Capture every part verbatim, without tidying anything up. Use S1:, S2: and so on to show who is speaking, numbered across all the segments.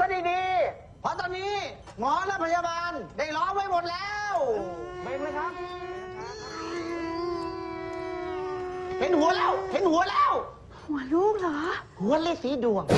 S1: ดีๆเพราะตอนนี้หมอและพยาบาลได้ล้อมไว้หมดแล้วเบ่งเลยครับเห็นหัวแล้วเห็นหัวแล้ว
S2: หัวลูกเหรอ
S1: หัวเลขสีดวง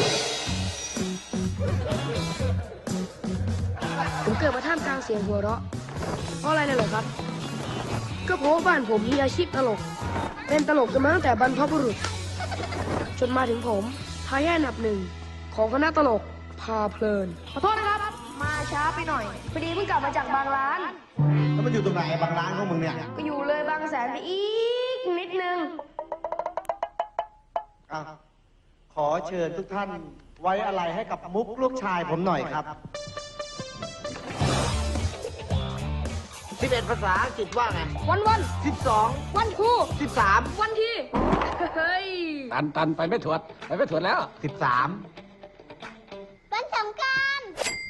S3: ผมเกิดมาท่ามกลางเสียงหัวเราะเพราะอะไรเลยเหรอครับก็เพราะว่าบ้านผมมีอาชีพตลกเป็นตลกกันมาตั้งแต่บรรพบุรุษจนมาถึงผมทายาทอันดับหนึ่งของคณะตลกพาเพลินขอโทษนะครับมาช้าไปหน่อยพอดีเพิ่งกลับมาจากบางร้าน
S1: แล้วมันอยู่ตรงไหนบางร้านของมึงเนี่ย
S3: ก็อยู่เลยบางแสนไปอีกนิดนึง
S1: ขอเชิญทุกท่านไว้อะไรให้กับมุกลูกชายผมหน่อยครับสิบเอ็ดภาษาอังกฤษว่าไง
S3: วันวัน
S1: สิบสอง
S3: วันทู
S1: สิบสาม
S3: วันที่เฮ้ย
S4: ตันตันไปไม่ถวดไปไม่ถวดแล้ว
S1: สิบสาม
S2: วันสงกรานต์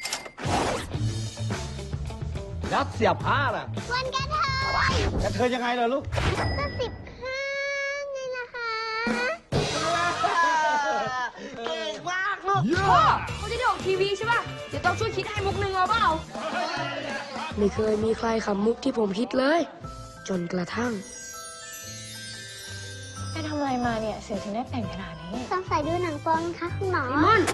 S4: แล้วเสียผ้าล่ะ
S2: วันกระเทย
S1: กระเทยยังไงล่ะลูก
S2: ก็สิบห้าไงนะคะ
S1: เก่งมากลูก
S3: พ่อเขาจะได้ออกทีวีใช่ป่ะเดี๋ยวต้องช่วยคิดให้มุกหนึ่งเอาเปล่าไม่เคยมีใครขำมุกที่ผมคิดเลยจนกระทั่ง
S5: ไปทำอะไรมาเนี่ยเสียถึงได้แต่งขนาดนี้
S2: สงสัยดูหนังโป๊คะคุณหมอ
S3: มอน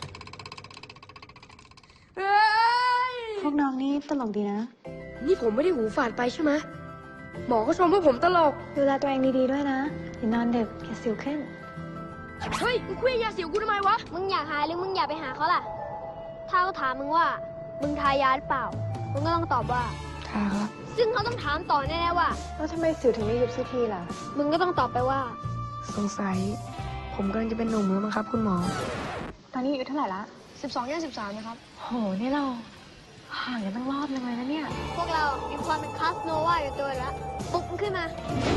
S5: พวกน้องนี่ตลกดีนะ
S3: นี่ผมไม่ได้หูฝาดไปใช่ไหมหมอก็ชมว่าผมตลก
S5: ดูแลตัวเองดีๆด้วยนะอย่านอนดึกอย่าสิวขึ้น
S3: เฮ้ยมึงคุยยาสิวกูทำไมวะ
S2: มึงอยากหายหรือมึงอยากไปหาเขาล่ะถ้าเขาถามมึงว่ามึงทายาหรือเปล่ามึงก็ต้องตอบว่า
S5: ทาครับ
S2: ซึ่งเขาต้องถามต่อแน่ๆว่า
S5: แล้วทำไมสิวถึงไม่ยุบสักทีล่ะ
S2: มึงก็ต้องตอบไปว่า
S5: สงสัยผมกำลังจะเป็นหนุ่มแล้วมั้งครับคุณหมอตอนนี้อายุเท่าไหร่ละ
S3: สิบสองย่างสิบสามนะครับ
S5: โหนี่เราห่างกันตั้งรอบนึงเลยนะเนี่ย
S2: พวกเรามีความเป็นคาสโนวาอยู่ตัวแล้วปลุกมันขึ้นมา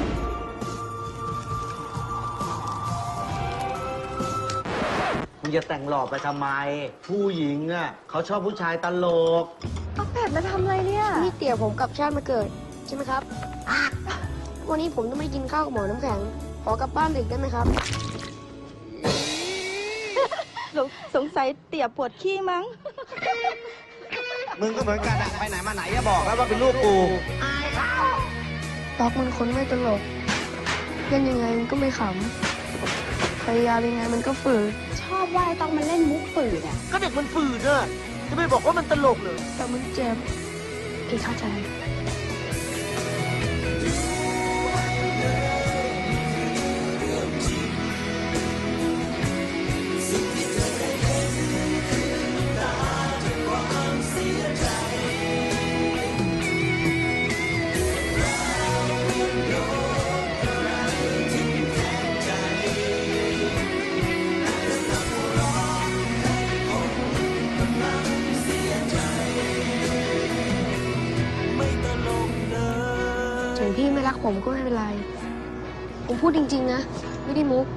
S1: มึงจะแต่งหล่อไปทำไมผู้หญิงอ่ะเขาชอบผู้ชายตลก
S5: เอาแปดมาทำอะไรเนี่ย
S3: นี่เตี่ยผมกับชาติมาเกิดใช่ไหมครับวันนี้ผมต้องไม่กินข้าวกับหมอน้ำแข็งขอกลับบ้านดึกได้ไหมครับ
S5: สงสัยเตี่ยปวดขี้มั้ง
S1: มึงก็เหมือนกันอะไปไหนมาไหนอย่าบอกแล้วว่าเป็นลูกกูอายเขา
S3: ตอกมันคนไม่ตลกเล่นยังไงมันก็ไม่ขำพยายามยังไงมันก็ฝืน
S5: ชอบว่าไอ้ตอกมันเล่นมุกฝืนอะ
S1: ก็เด็กมันฝืนอะจะไม่บอกว่ามันตลกเหรอ
S3: แต่มันเจ็บ
S5: พี่เข้าใจ
S3: ถึงพี่ไม่รักผมก็ไม่เป็นไรผมพูดจริงๆนะไม่ได้มุก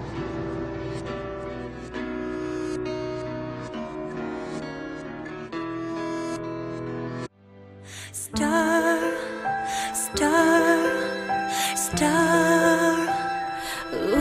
S6: Star, star, star. Ooh.